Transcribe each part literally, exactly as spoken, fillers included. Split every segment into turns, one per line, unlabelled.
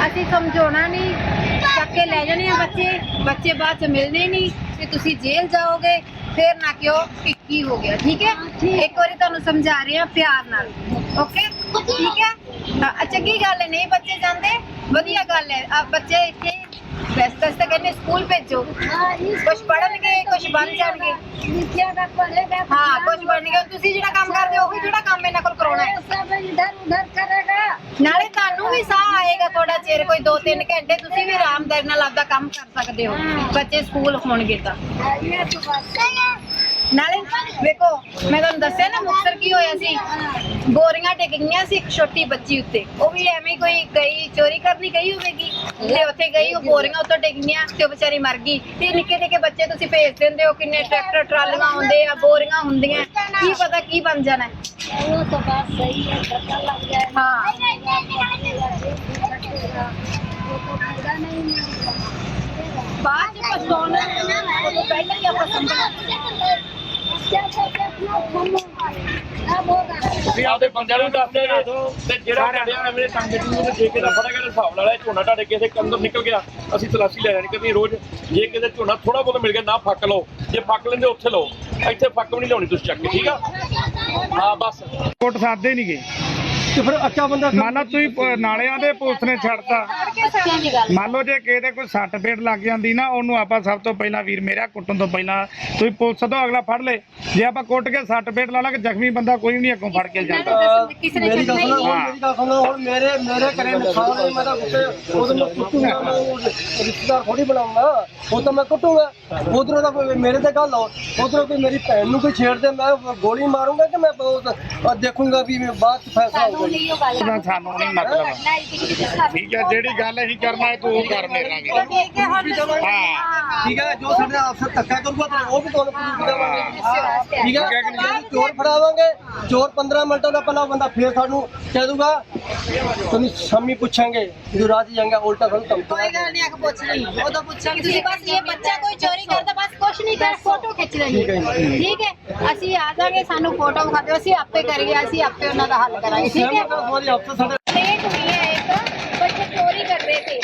ਅਸੀਂ ਸਮਝਾਉਣਾ ਨਹੀਂ, ਚੱਕ ਕੇ ਲੈ ਜਾਣੇ ਆ ਬੱਚੇ, ਬੱਚੇ ਬਾਅਦ ਚ ਮਿਲਣੇ ਨਹੀਂ ਤੇ ਤੁਸੀਂ ਜੇਲ੍ਹ ਜਾਓਗੇ, ਫਿਰ ਨਾ ਕਿਉਂ ਕਿ ਕੀ ਹੋ ਗਿਆ। ਠੀਕ ਹੈ, ਇੱਕ ਵਾਰੀ ਤੁਹਾਨੂੰ ਸਮਝਾ ਰਹੇ ਆ ਪਿਆਰ ਨਾਲ। ਓਕੇ, ਠੀਕ ਹੈ। ਤਾਂ ਚੰਗੀ ਗੱਲ ਹੈ, ਨਹੀਂ ਬੱਚੇ ਜਾਂਦੇ, ਵਧੀਆ ਗੱਲ ਹੈ। ਆ ਬੱਚੇ ਇੱਥੇ ਵੈਸੇ ਤਾਂ ਕਹਿੰਦੇ ਸਕੂਲ ਭੇਜੋ, ਕੁਛ ਪੜ੍ਹਨਗੇ, ਕੁਛ ਬਣ ਜਾਣਗੇ। ਹਾਂ, ਕੁਛ ਬਣਨਗੇ। ਤੁਸੀਂ ਜਿਹੜਾ ਕੰਮ ਕਰਦੇ ਹੋ ਉਹੀ ਜਿਹੜਾ ਕੰਮ ਇਹਨਾਂ ਕੋਲ ਕਰਾਉਣਾ ਹੈ। ਨਾਲੇ ਤੁਹਾਨੂੰ ਵੀ ਸਾਹ ਆਏਗਾ ਥੋੜਾ ਚਿਰ, ਕੋਈ ਦੋ ਤਿੰਨ ਘੰਟੇ ਤੁਸੀਂ ਵੀ ਆਰਾਮਦਾਰੀ ਨਾਲ ਆਪਦਾ ਕੰਮ ਕਰ ਸਕਦੇ ਹੋ, ਬੱਚੇ ਸਕੂਲ ਹੋਣਗੇ ਤਾਂ। ਨਾਲੇ ਵੇਖੋ, ਮੈਂ ਤੁਹਾਨੂੰ ਦੱਸਿਆ ਨਾ ਮੁਕਤਸਰ ਕੀ ਹੋਇਆ ਸੀ, ਬੋਰੀਆਂ ਡਿੱਗ ਗਈਆਂ ਸੀ ਇੱਕ ਛੋਟੀ ਬੱਚੀ ਉੱਤੇ, ਉਹ ਵੀ ਐਵੇਂ ਕੋਈ ਗਈ ਚੋਰੀ ਕਰਨੀ ਗਈ ਹੋਵੇਗੀ ਤੇ ਉੱਥੇ ਗਈ, ਉਹ ਬੋਰੀਆਂ ਉੱਤੋਂ ਡਿੱਗ ਗਈਆਂ ਤੇ ਉਹ ਵਿਚਾਰੀ ਮਰ ਗਈ। ਤੇ ਨਿੱਕੇ ਨਿੱਕੇ ਬੱਚੇ ਤੁਸੀਂ ਭੇਜ ਦਿੰਦੇ ਹੋ, ਕਿੰਨੇ ਟਰੈਕਟਰ ਟਰਾਲੀਆਂ ਆਉਂਦੇ ਆ, ਬੋਰੀਆਂ ਹੁੰਦੀਆਂ, ਕੀ ਪਤਾ ਕੀ ਬਣ ਜਾਣਾ।
वो तो बात सही है, धक्का लग जाए।
हाँ, बाद में पछताना वो तो पहले ही ਆਪਾਂ
ਤੁਸੀਂ ਆਪਦੇ ਬੰਦਿਆਂ ਨੂੰ ਦੱਸਦੇ ਨੇ ਤੇ ਜਿਹੜਾ ਡੜਿਆ ਐਵੇਂ ਸੰਗਤ ਨੂੰ ਤੇ ਜੇ ਕਿਤੇ ਫੜੇਗਾ ਤੇ ਹਿਸਾਬ ਨਾਲ ਝੋਨਾ ਤੁਹਾਡੇ ਕਿਸੇ ਕੰਦਰ ਨਿਕਲ ਗਿਆ ਅਸੀਂ ਤਲਾਸ਼ੀ ਲੈ ਜਾਣੀ ਕਿ ਰੋਜ਼। ਜੇ ਕਿਤੇ ਝੋਨਾ ਥੋੜਾ ਬਹੁਤ ਮਿਲ ਗਿਆ ਨਾ ਫੱਕ ਲਓ, ਜੇ ਫੱਕ ਲੈਂਦੇ ਉੱਥੇ ਲਓ, ਇੱਥੇ ਫੱਕ ਵੀ ਨਹੀਂ ਲਾਉਣੀ ਤੁਸੀਂ ਚੱਕ ਕੇ। ਠੀਕ ਆ, ਹਾਂ ਬਸ
ਕੋਟ ਸਾਦੇ ਨਹੀਂ ਗਏ
ਤੇ ਫਿਰ ਅੱਛਾ ਬੰਦਾ
ਮੰਨ ਲਓ ਤੁਸੀਂ ਨਾਲਿਆਂ ਦੇ ਪੁਲਿਸ ਨੇ ਛੱਡਤਾ, ਮੰਨ ਲਓ ਜੇ ਕਿਸੇ ਦੇ ਕੋਈ ਸੱਟ ਫੇਟ ਲੱਗ ਜਾਂਦੀ ਨਾ, ਉਹਨੂੰ ਆਪਾਂ ਸਭ ਤੋਂ ਪਹਿਲਾਂ ਵੀਰ ਮੇਰਾ ਕੁੱਟਣ ਤੋਂ ਪਹਿਲਾਂ ਤੁਸੀਂ ਪੁਲਿਸ ਤੋਂ ਅਗਲਾ ਫੜ ਲੇ। ਜੇ ਆਪਾਂ ਕੁੱਟ ਕੇ ਸੱਟ ਫੇਟ ਲਾ ਲਾਂਗੇ, ਜ਼ਖਮੀ ਬੰਦਾ ਕੋਈ ਵੀ ਨਹੀਂ ਅੱਗੋਂ ਫੜ ਕੇ ਜਾਂਦਾ।
ਮੇਰੀ ਗੱਲ ਸੁਣੋ, ਹੁਣ ਮੇਰੀ ਗੱਲ ਸੁਣੋ, ਹੁਣ ਮੇਰੇ ਮੇਰੇ ਘਰੇ ਨੁਕਸਾਨ ਹੈ, ਮੈਂ ਤਾਂ ਉੱਤੇ ਉਦੋਂ ਮੈਂ ਕੁੱਟੂਗਾ, ਮੈਂ ਉਹ ਰਿਸ਼ਤੇਦਾਰ ਥੋੜੀ ਬਣਾਉਂਗਾ, ਉਹ ਤਾਂ ਮੈਂ ਕੁੱਟੂਗਾ। ਉਧਰੋਂ ਦਾ ਕੋਈ ਮੇਰੇ ਤੇ ਗੱਲ ਹੋ, ਉਧਰੋਂ ਕੋਈ ਮੇਰੀ ਭੈਣ ਨੂੰ ਕੋਈ ਛੇੜ ਦੇ, ਮੈਂ ਗੋਲੀ ਮਾਰੂੰਗਾ ਕਿ ਮੈਂ ਦੇਖੂੰਗਾ ਵੀ ਬਾਅਦ ਚ ਫੈਸਲਾ ਹੋਊਗਾ।
ਸਾਨੂੰ ਨਹੀਂ ਮਤਲਬ, ਠੀਕ ਹੈ, ਜਿਹੜੀ ਗੱਲ ਅਸੀਂ ਕਰਨਾ ਹੈ ਤੂੰ ਉਹ ਕਰ ਮੇਰੇ ਨਾਲ। ਹਾਂ,
ਠੀਕ ਹੈ, ਜੋ ਸਾਡੇ ਅਫਸਰ ਧੱਕਾ ਕਰੂਗਾ ਤੇ ਉਹ ਵੀ ਤੁਹਾਨੂੰ ਪੁਲਿਸ ਦੇਵਾਂਗੇ। ਠੀਕ ਹੈ, ਜੇ ਚੋਰ ਫੜਾਵਾਂਗੇ, ਚੋਰ ਪੰਦਰਾਂ ਮਿੰਟਾਂ ਦਾ ਪਹਿਲਾਂ ਬੰਦਾ ਫੇਰ ਸਾਨੂੰ ਕਹਿ ਦੂਗਾ ਤੁਹਾਨੂੰ ਸ਼ਾਮੀ ਪੁੱਛਾਂਗੇ, ਜਦੋਂ ਰਾਤ ਜਾਂਗੇ ਉਲਟਾ ਸਾਨੂੰ ਧਮਕੀ।
ਕੋਈ ਗੱਲ ਨਹੀਂ, ਅੱਖ ਪੁੱਛ ਲਈ ਉਦੋਂ ਪੁੱਛਾਂਗੇ। ਤੁਸੀਂ ਬਸ ਇਹ ਬੱਚਾ ਕੋਈ ਚੋਰੀ ਕਰਦਾ ਬਸ ਕੁਛ ਨਹੀਂ ਕਰ, ਫੋਟੋ ਖਿੱਚ ਲੈਣੀ। ਠੀਕ ਹੈ, ਅਸੀਂ ਆ ਜਾਾਂਗੇ, ਸਾਨੂੰ ਫੋਟੋ ਵਿਖਾ ਦਿਓ, ਅਸੀਂ ਆਪੇ ਕਰੀਏ, ਅਸੀਂ ਆਪੇ ਉਹਨਾਂ ਦਾ ਹੱਲ ਕਰਾਂਗੇ। ਠੀਕ ਹੈ,
ਹਮਾਰੀ ਅਫਸਰ ਸਾਡੇ
लेट हुई है, एक बच्चे चोरी कर रहे थे।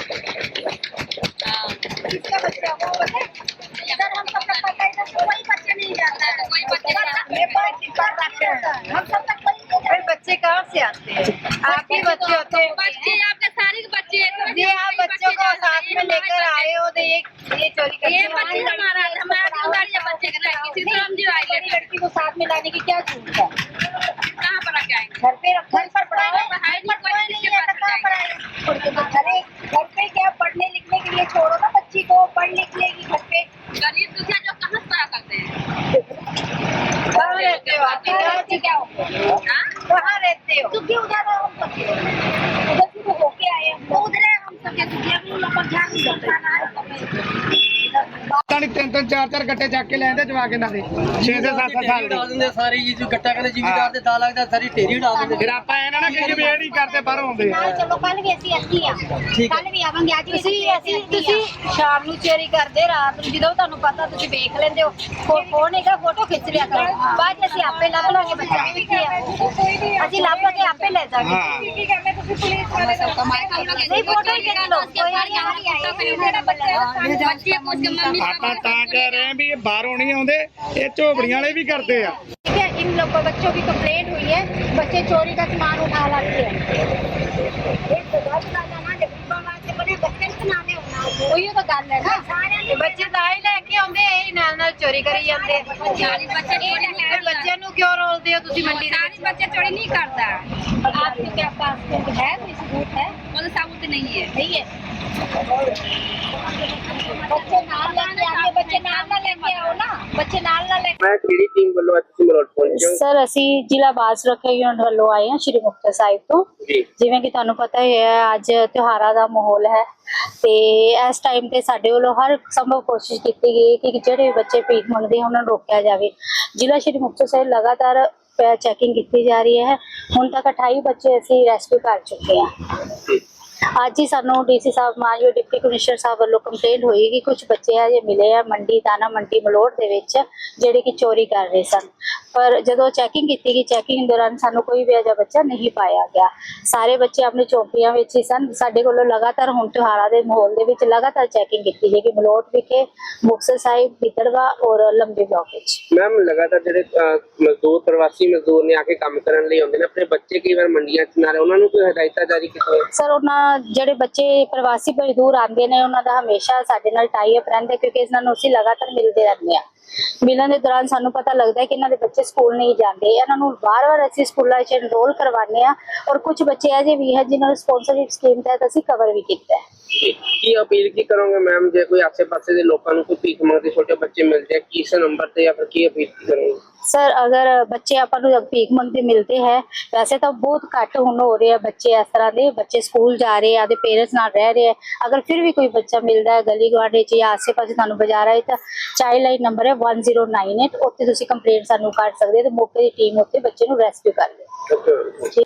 किसका बच्चा वो पता है? इधर हम सब तक पता है, इधर कोई बच्चा नहीं जाता है, कोई बच्चे ये बात टिक्का रखते हैं, हम सब तक कोई। फिर बच्चे कहाँ से आते हैं? आप ही बच्चे होते हैं,
बच्चे आपके सारे बच्चे
जी आप बच्चों को साथ में लेकर आए हो तो ये ये चोरी कर,
ये बच्चे हमारा हमारा गाड़ी बच्चे का किसी से हम जी आए
लड़की को साथ में लाने की क्या जरूरत है?
कहाँ पर रख आएंगे?
घर पे घर पर पढ़ाए,
पढ़ाई नहीं कोई
नहीं है तो कहाँ पढ़ाए? अरे घर पे क्या पढ़ने लिखने के लिए छोड़ो ना बच्ची को, पढ़ लिख लेगी घर पे।
गरीब दुखिया जो कहाँ से पढ़ा करते हैं?
कहाँ रहते हो आप? क्या हो? कहाँ रहते हो?
दुखी उधर हम सबके उधर से तो होके आए हम तो उधर हम सबके दुखिया को लोग ध्यान नहीं देते।
ਤਾਂ ਤਿੰਨ ਤਿੰਨ ਚਾਰ ਚਾਰ ਗੱਟੇ ਚੱਕ ਕੇ ਲੈਂਦੇ ਜਵਾ ਕੇ ਇਹਨਾਂ ਦੇ ਛੇ ਛੇ ਸੱਤ ਸੱਤ ਸਾਲ ਦੇ।
ਉਡਾ ਦਿੰਦੇ ਸਾਰੇ ਜੀ, ਜੋ ਗੱਟਾ ਕਹਿੰਦੇ ਜ਼ਿਮੀਦਾਰ ਦੇ ਦਾ ਲੱਗਦਾ ਸਾਰੀ ਢੇਰੀ ਉਡਾ ਦਿੰਦੇ।
ਫਿਰ ਆਪਾਂ ਇਹਨਾਂ ਨਾਲ ਕਿ ਜਵੇੜ ਹੀ ਕਰਦੇ ਬਾਹਰੋਂ ਆਉਂਦੇ ਆ।
चलो कल भी ऐसी अच्छी है, कल भी आवांगे, आज भी
ਤੁਸੀਂ ਅਸੀਂ ਤੁਸੀਂ ਸ਼ਾਮ ਨੂੰ ਚੋਰੀ ਕਰਦੇ, ਰਾਤ ਨੂੰ ਜਦੋਂ ਤੁਹਾਨੂੰ ਪਤਾ ਤੁਸੀਂ ਵੇਖ ਲੈਂਦੇ ਹੋ, ਫੋਨ ਹੈਗਾ ਫੋਟੋ ਖਿੱਚ ਲਿਆ ਕਰੋ, ਬਾਅਦ ਚ ਅਸੀਂ ਆਪੇ ਲੱਭ ਲਾਂਗੇ ਬੱਚਾ ਵੀ ਕੀ ਆ, ਅਸੀਂ ਲੱਭ ਕੇ ਆਪੇ ਲੈ ਜਾਵਾਂਗੇ।
ਹਾਂ,
ਕੀ ਕਰਨਾ ਤੁਸੀਂ ਪੁਲਿਸ ਵਾਲੇ ਦਾ ਨਹੀਂ ਫੋਟੋ ਹੀ ਖਿੱਚ ਲਓ, ਕੋਈ ਨਹੀਂ।
ਆਪਾਂ ਤਾਂ ਕਹਿ ਰਹੇ ਹਾਂ ਵੀ ਇਹ ਬਾਹਰੋਂ ਨਹੀਂ ਆਉਂਦੇ, ਇਹ ਝੋਪੜੀਆਂ ਵਾਲੇ ਵੀ ਕਰਦੇ आ।
ठीक है, इन लोग बच्चों की कंप्लेंट हुई है, बच्चे चोरी का सामान उठा लाते हैं। ਉਹੀ ਤਾਂ ਗੱਲ ਹੈ ਨਾ, ਬੱਚੇ ਤਾਂ ਹੀ ਲੈ ਕੇ ਆਉਂਦੇ, ਇਹ ਨਾਲ ਨਾਲ ਚੋਰੀ ਕਰੀ ਜਾਂਦੇ। ਫਿਰ ਬੱਚਿਆਂ ਨੂੰ ਕਿਉਂ ਰੋਲਦੇ ਹੋ ਤੁਸੀਂ ਮੰਡੀ ਦੇ ਵਿੱਚ?
बच्चे चोरी नहीं करता।
आपके क्या पास है कोई सबूत है?
वो साबुत नहीं है।
नहीं है, बच्चे नाल लेके आके बच्चे नाल ना लेके आओ ना, बच्चे नाल ना लेके।
ਮੈਂ ਕਿਹੜੀ ਟੀਮ ਵੱਲੋਂ ਅੱਜ ਤੁਸੀਂ ਮਲੋਟ ਪਹੁੰਚੇ ਹੋ?
ਸਰ ਅਸੀਂ ਜ਼ਿਲ੍ਹਾ ਬਾਲ ਸੁਰੱਖਿਆ ਯੂਨਿਟ ਵੱਲੋਂ ਆਏ ਹਾਂ ਸ਼੍ਰੀ ਮੁਕਤਸਰ ਸਾਹਿਬ ਤੋਂ।
ਜੀ,
ਜਿਵੇਂ ਕਿ ਤੁਹਾਨੂੰ ਪਤਾ ਹੀ ਹੈ ਅੱਜ ਤਿਉਹਾਰਾਂ ਦਾ ਮਾਹੌਲ ਹੈ ਤੇ ਇਸ ਟਾਈਮ ਤੇ ਸਾਡੇ ਵੱਲੋਂ ਹਰ ਸੰਭਵ ਕੋਸ਼ਿਸ਼ ਕੀਤੀ ਗਈ ਕਿ ਜਿਹੜੇ ਬੱਚੇ ਭੀਖ ਮੰਗਦੇ ਹਨ ਉਹਨਾਂ ਨੂੰ ਰੋਕਿਆ ਜਾਵੇ। ਜ਼ਿਲ੍ਹਾ ਸ਼੍ਰੀ ਮੁਕਤਸਰ ਸਾਹਿਬ ਲਗਾਤਾਰ ਚੈਕਿੰਗ ਕੀਤੀ ਜਾ ਰਹੀ ਹੈ। ਹੁਣ ਤੱਕ ਅਠਾਈ ਬੱਚੇ ਅਸੀਂ ਰੈਸਕਿਊ ਕਰ ਚੁੱਕੇ ਹਾਂ। ਅੱਜ ਹੀ ਸਾਨੂੰ ਡੀਸੀ ਸਾਹਿਬ ਮਾਨਯੋਗ ਡਿਪਟੀ ਕਮਿਸ਼ਨਰ ਸਾਹਿਬ ਵੱਲੋਂ ਕੰਪਲੇਂਟ ਹੋਈ ਕਿ ਕੁਝ ਬੱਚੇ ਆ ਜੇ ਮਿਲੇ ਆ ਮੰਡੀ ਦਾਣਾ ਮੰਡੀ ਮਲੋਟ ਦੇ ਵਿੱਚ ਜਿਹੜੇ ਕਿ ਚੋਰੀ ਕਰ ਰਹੇ ਸਨ। ਪਰ ਜਦੋਂ ਚੈਕਿੰਗ ਕੀਤੀ ਗਈ ਚੈਕਿੰਗ ਦੌਰਾਨ ਸਾਨੂੰ ਕੋਈ ਵੀ ਅਜਿਹਾ ਬੱਚਾ ਨਹੀਂ ਪਾਇਆ ਗਿਆ। ਸਾਰੇ ਬੱਚੇ ਆਪਣੇ ਚੌਂਕੀਆਂ ਵਿੱਚ ਹੀ ਸਨ। ਸਾਡੇ ਕੋਲੋਂ ਲਗਾਤਾਰ ਹੁਣ ਤਿਉਹਾਰਾਂ ਦੇ ਮਾਹੌਲ ਦੇ ਵਿੱਚ ਲਗਾਤਾਰ ਚੈਕਿੰਗ ਕੀਤੀ ਜਾਏਗੀ ਮਲੋਟ ਵਿਖੇ, ਮੁਕਤਸਰ ਸਾਹਿਬ, ਗਿੱਦੜਵਾ ਔਰ ਲੰਬੀ ਬਲਾਕ ਵਿੱਚ।
ਮੈਮ ਲਗਾਤਾਰ ਜਿਹੜੇ ਅਹ, ਮਜ਼ਦੂਰ ਪ੍ਰਵਾਸੀ ਮਜ਼ਦੂਰ ਨੇ ਆ ਕੇ ਕੰਮ ਕਰਨ ਲਈ ਆਉਂਦੇ ਨੇ, ਆਪਣੇ ਬੱਚੇ ਕਈ ਵਾਰ ਮੰਡੀਆਂ 'ਚ ਨਾ ਰਹੇ, ਉਹਨਾਂ ਨੂੰ ਕੋਈ ਹਦਾਇਤਾਂ ਜਾਰੀ ਕੀਤੀਆਂ?
ਸਰ ਉਹਨਾਂ ਜਿਹੜੇ ਬੱਚੇ ਪ੍ਰਵਾਸੀ ਮਜ਼ਦੂਰ ਆਉਂਦੇ ਨੇ ਉਹਨਾਂ ਦਾ ਹਮੇਸ਼ਾ ਸਾਡੇ ਨਾਲ ਟਾਈ ਅਪ ਰਹਿੰਦਾ ਕਿਉਂਕਿ ਇਹਨਾਂ ਨੂੰ ਅਸੀਂ ਲਗਾਤਾਰ ਮਿਲਦੇ ਰਹਿੰਦੇ ਹਾਂ। ਮਿਲਣ ਦੇ ਦੌਰਾਨ ਸਾਨੂੰ ਪਤਾ ਲੱਗਦਾ ਹੈ ਕਿ ਇਹਨਾਂ ਦੇ ਬੱਚੇ ਸਕੂਲ ਨਹੀਂ ਜਾਂਦੇ। ਇਹਨਾਂ ਨੂੰ ਵਾਰ-ਵਾਰ ਅਸੀਂ ਸਕੂਲਾਂ 'ਚ ਐਨਰੋਲ ਕਰਵਾਉਂਦੇ ਹਾਂ ਔਰ ਕੁਝ ਬੱਚੇ ਅਜੇ ਵੀ ਹੈ ਜਿਨ੍ਹਾਂ ਨੂੰ ਸਪਾਂਸਰਸ਼ਿਪ ਸਕੀਮ ਤਹਿਤ ਅਸੀਂ ਕਵਰ ਵੀ ਕੀਤਾ ਹੈ।
ਕੀ ਅਪੀਲ ਕੀ ਕਰੋਗੇ ਮੈਮ, ਜੇ ਕੋਈ ਆਸੇ-ਪਾਸੇ ਦੇ ਲੋਕਾਂ ਨੂੰ ਕੋਈ ਭੀਖ ਮੰਗਦੇ ਛੋਟੇ ਬੱਚੇ ਮਿਲਦੇ ਆ, ਕਿਸ ਨੰਬਰ ਤੇ ਜਾਂ ਫਿਰ ਕੀ ਅਪੀਲ ਕਰੋਗੇ?
ਸਰ ਅਗਰ ਬੱਚੇ ਆਪਾਂ ਨੂੰ ਭੀਖ ਮੰਗਦੇ ਮਿਲਦੇ ਹੈ, ਵੈਸੇ ਤਾਂ ਬਹੁਤ ਘੱਟ ਹੁਣ ਹੋ ਰਹੇ ਆ ਬੱਚੇ ਇਸ ਤਰ੍ਹਾਂ ਦੇ, ਬੱਚੇ ਸਕੂਲ ਜਾ ਰਹੇ ਆ, ਦੇ ਪੇਰੈਂਟਸ ਨਾਲ ਰਹਿ ਰਹੇ ਆ। ਅਗਰ ਫਿਰ ਵੀ ਕੋਈ ਬੱਚਾ ਮਿਲਦਾ ਹੈ ਗਲੀ ਗੁਆਂਢ 'ਚ ਜਾਂ ਆਸੇ-ਪਾਸੇ ਤੁਹਾਨੂੰ ਬਾਜ਼ਾਰ ਆਏ ਤਾਂ ਚਾਈਲਡ ਲਾਈਨ ਨੰਬਰ ਹੈ one zero nine eight, ਉੱਥੇ ਤੁਸੀਂ ਕੰਪਲੇਂਟ ਸਾਨੂੰ ਕਰ ਸਕਦੇ ਹੋ ਤੇ ਮੌਕੇ ਦੀ ਟੀਮ ਉੱਥੇ ਬੱਚੇ ਨੂੰ ਰੈਸਕਿਊ ਕਰ ਲਏ।